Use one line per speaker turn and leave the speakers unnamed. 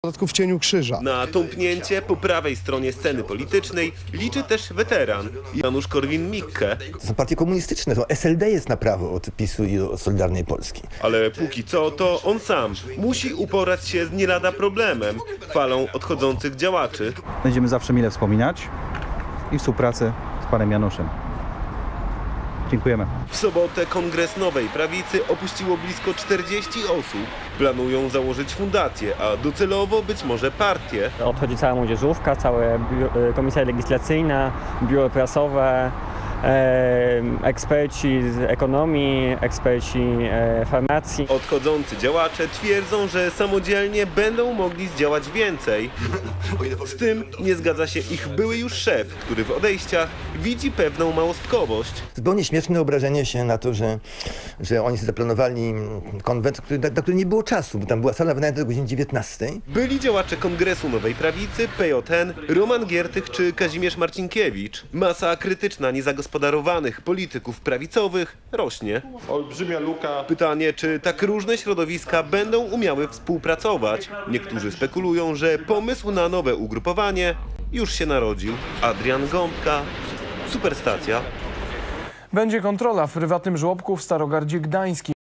W cieniu krzyża.
Na tąpnięcie po prawej stronie sceny politycznej liczy też weteran Janusz Korwin-Mikke.
To są partie komunistyczne, to SLD jest na prawo od PiS-u i od Solidarnej Polski.
Ale póki co to on sam musi uporać się z nie lada problemem, falą odchodzących działaczy.
Będziemy zawsze mile wspominać i współpracy z panem Januszem. Dziękujemy.
W sobotę Kongres Nowej Prawicy opuściło blisko 40 osób. Planują założyć fundację, a docelowo być może partię.
Odchodzi cała młodzieżówka, cała komisja legislacyjna, biuro prasowe, eksperci z ekonomii, eksperci farmacji.
Odchodzący działacze twierdzą, że samodzielnie będą mogli zdziałać więcej. Z tym nie zgadza się ich były już szef, który w odejściach widzi pewną małostkowość.
Zupełnie śmieszne obrażenie się na to, że oni zaplanowali konwent, na który nie było czasu, bo tam była sala wynajęta do godziny 19.
Byli działacze Kongresu Nowej Prawicy, PJN, Roman Giertych czy Kazimierz Marcinkiewicz. Masa krytyczna niezagospodarowanych polityków prawicowych rośnie.
Olbrzymia luka.
Pytanie, czy tak różne środowiska będą umiały współpracować. Niektórzy spekulują, że pomysł na nowe ugrupowanie już się narodził. Adrian Gąbka, Superstacja.
Będzie kontrola w prywatnym żłobku w Starogardzie Gdańskim.